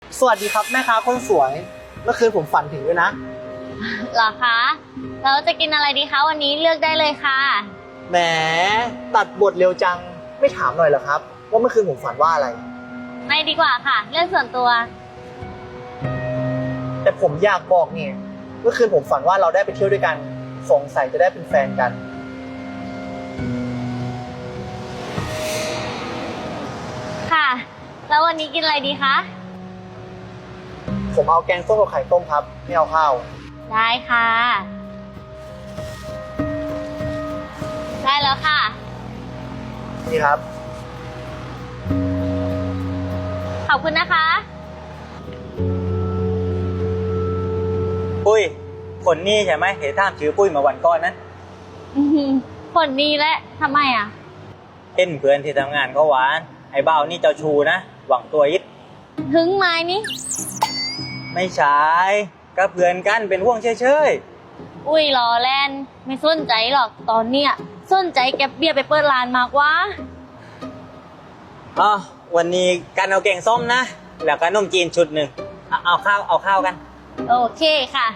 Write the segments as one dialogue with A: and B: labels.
A: สวัสดีครับแม่ค้าคนสวยเมื่อคืนผมฝันถึงด้วยนะ
B: เหรอคะเราจะกินอะไรดีคะวันนี้เลือกได้เลยค่ะ
A: แหมตัดบทเร็วจังไม่ถามหน่อยเหรอครับว่าเมื่อคืนผมฝันว่าอะไร
B: ไม่ดีกว่าค่ะเรื่องส่วนตัว
A: แต่ผมอยากบอกเนี่ยเมื่อคืนผมฝันว่าเราได้ไปเที่ยวด้วยกันสงสัยจะได้เป็นแฟนกัน
B: ค่ะแล้ววันนี้กินอะไรดีคะ
A: ผมเอาแกงส้มกับไข่ต้มครับไม่เอาข้าว
B: ได้ค่ะได้แล้วค่ะ
A: นี่ครับ
B: ขอบคุณนะคะ
C: ปุ้ยคนนี้ใช่ไหมเห็นท่ามชื่อปุ้ยมาวันก่อนนั้น
B: คนนี้แหละทำไมอ่ะ
C: เห็นเพื่อนที่ทำงานก็หวานไอ้เบ้านี่เจ้าชูนะหวังตัวยิด
B: ถึงไม้นี่
C: ไม่ใช่ก็เพื่อนกันเป็นห่วงเฉย
B: อุ้ยรอแลนไม่สนใจหรอกตอนเนี้ยสนใจแก็บเบียร์ไปเปิดร้านมากว่า
C: อ๋อวันนี้กันเอาแกงส้มนะแล้วก็นมจีนชุดหนึ่งเอาข้าวกัน
B: โอเคค่ะ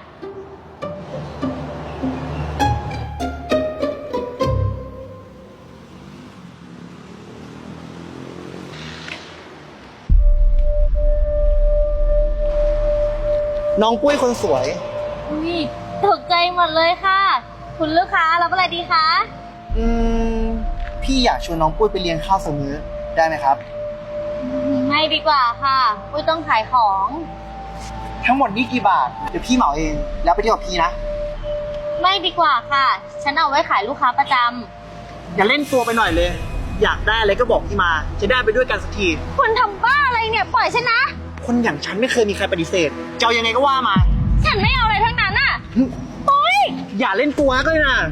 A: น้องปุ้ยคนสวย
B: อุ้ยตกใจหมดเลยค่ะคุณลูกค้ารับอะไรดีคะ
A: อืมพี่อยากชวนน้องปุ้ยไปเลี้ยงข้าวสักมื้อได้ไหมครับ
B: ไม่ดีกว่าค่ะปุ้ยต้องขายของ
A: ทั้งหมดนี่กี่บาทเดี๋ยวพี่เหมาเองแล้วไปเที่ยวกับพี่นะ
B: ไม่ดีกว่าค่ะฉันเอาไว้ขายลูกค้าประจ
A: ำอย่าเล่นตัวไปหน่อยเลยอยากได้อะไรก็บอกพี่มาจะได้ไปด้วยกันสักที
B: คุณทำบ้าอะไรเนี่ยปล่อยฉันนะ
A: คนอย่างฉันไม่เคยมีใครปฏิเสธจะเอายังไงก็ว่ามา
B: ฉันไม่เอาอะไรทั้งนั้นอ่ะโอ๊ย
A: อย่าเล่นตัวก็เลยนะ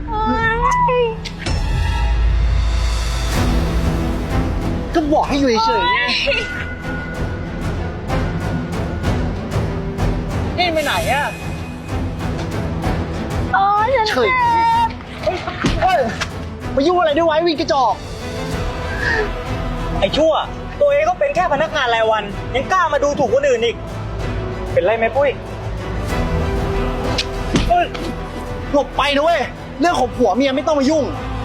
A: ก็บอกให้อยู่เฉยๆไงนี่ไปไหนอะ
B: โอ๊ยฉันเจ็บ
A: มายุ่งอะไรด้วยไว้วินกระจอก
C: ไอ้ชั่วตัวเองก็เป็นแค่พนักงานรายวันยังกล้ามาดูถูกคนอื่นอีกเป็นไรไหมปุ้ย
A: หลบไปนะเว้ยเรื่องของผัวเมียไม่ต้องมายุ่ง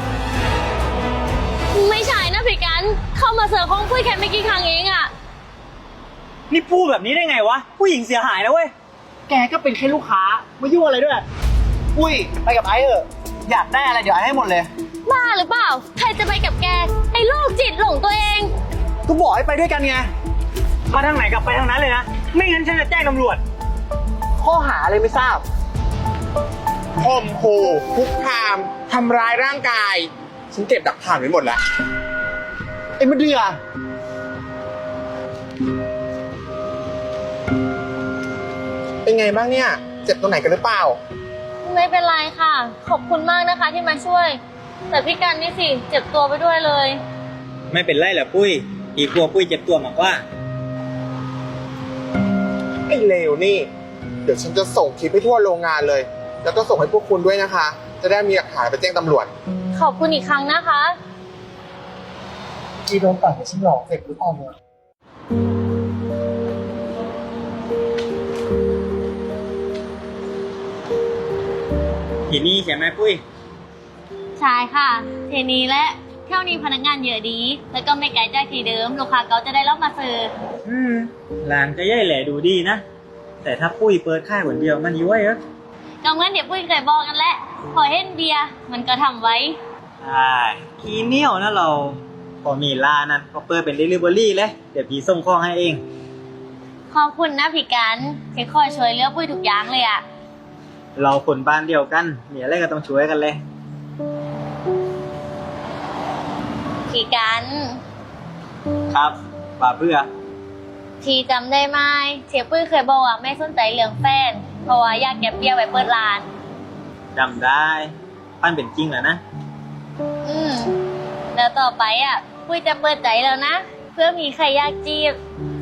B: ไม่ใช่นะพี่กันเข้ามาเสิร์ฟห้องปุ้ยแค่ไม่กี่ครั้งเองอะ
C: นี่พูดแบบนี้ได้ไงวะผู้หญิงเสียหายนะเว้ย
A: แกก็เป็นแค่ลูกค้ามายุ่งอะไรด้วยอุ้ยไปกับไอ้เถอะอยากได้อะไรเดี๋ยวไอ้ให้หมดเลย
B: บ้าหรือเปล่าใครจะไปกับแกไอ้โรคจิตหลงตัวเอง
A: ก็บอกให้ไปด้วยกันไง
C: มาทางไหนกลับไปทางนั้นเลยนะไม่งั้นฉันจะแจ้งตำรวจ
A: ข้อหาอะไรไม่ทราบ
D: ข่มขู่คุกคามทำร้ายร่างกายฉันเก็บหลักฐานไว้หมดแล้ว
A: ไอ้มะเดือ
D: เป็นไงบ้างเนี่ยเจ็บตรงไหนกันหรือเปล่า
B: ไม่เป็นไรค่ะขอบคุณมากนะคะที่มาช่วยแต่พี่กันนี่สิเจ็บตัวไปด้วยเลย
C: ไม่เป็นไรแหละปุ้ยอีกกลัวปุ้ยเจ็บตัวมากกว่า
D: ไอ้เลวนี่เดี๋ยวฉันจะส่งคลิปให้ทั่วโรงงานเลยแล้วก็ส่งให้พวกคุณด้วยนะคะจะได้มีหลักฐานไปแจ้งตำรวจ
B: ขอบคุณอีกครั้งนะคะ
A: กีโดนตัดให้ฉันหลอกเสร็จหรือเปล่าเนี่ย
C: ทีนี้ใช่ไหมปุ้ย
B: ใช่ค่ะทีนี้และเที่ยวนี้พนักงานเยอะดีแล้วก็ไม่ไกลจากที่เดิมลูกค้าเขาจะได้รับมาเสิร์ฟ
C: ร้านก็ย่อยแหล่ดูดีนะแต่ถ้าปุ้ยเปิดค่ายคนเดียวมันย้วยเหรอ
B: ก็งั้นเดี๋ยวปุ้ยเคยบอกกันแหละพอเห็นเบียร์มันก็ทำไว้
C: ใช่ขี้เหนียวนะเราพอมีร้านนั้นก็เปิดเป็น delivery เลยเดี๋ยวพี่ส่งของให้เอง
B: ขอบคุณนะพี่กันที่คอยช่วยเหลือปุ้ยทุกอย่างเลยอะ
C: เราคนบ้านเดียวกันมีอะไรก็ต้องช่วยกันเลย
B: พี่กัน
C: ครับป่าเพื่อ
B: ทีจำได้ไหมเทียปุ้ยเคยบอกว่าไม่สนใจเรื่องแฟนเพราะว่าอยากเก็บเบี้ยไว้เปิดร้าน
C: จำได้ปั้นเป็นจริงแล้วนะ
B: แล้วต่อไปอ่ะปุ้ยจะเปิดใจแล้วนะเพื่อมีใครอยากจีบ